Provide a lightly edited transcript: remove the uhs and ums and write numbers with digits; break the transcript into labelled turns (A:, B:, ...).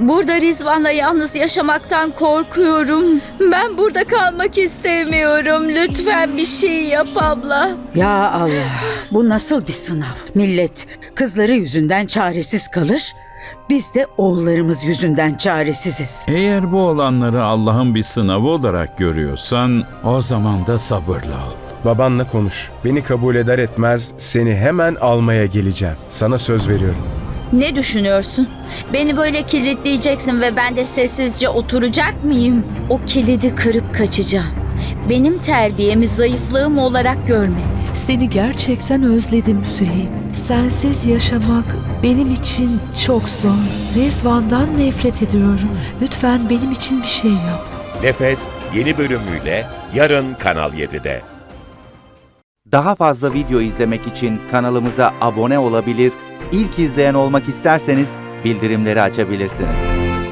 A: Burada Rizvan'la yalnız yaşamaktan korkuyorum. Ben burada kalmak istemiyorum. Lütfen bir şey yap abla.
B: Ya Allah, bu nasıl bir sınav? Millet kızları yüzünden çaresiz kalır. Biz de oğullarımız yüzünden çaresiziz.
C: Eğer bu olanları Allah'ın bir sınavı olarak görüyorsan o zaman da sabırlı ol.
D: Babanla konuş. Beni kabul eder etmez seni hemen almaya geleceğim. Sana söz veriyorum.
A: Ne düşünüyorsun? Beni böyle kilitleyeceksin ve ben de sessizce oturacak mıyım? O kilidi kırıp kaçacağım. Benim terbiyemi zayıflığım olarak görme.
E: Seni gerçekten özledim Süheyb. Sensiz yaşamak benim için çok zor. Rezvan'dan nefret ediyorum. Lütfen benim için bir şey yap.
F: Nefes yeni bölümüyle yarın Kanal 7'de.
G: Daha fazla video izlemek için kanalımıza abone olabilir, ilk izleyen olmak isterseniz bildirimleri açabilirsiniz.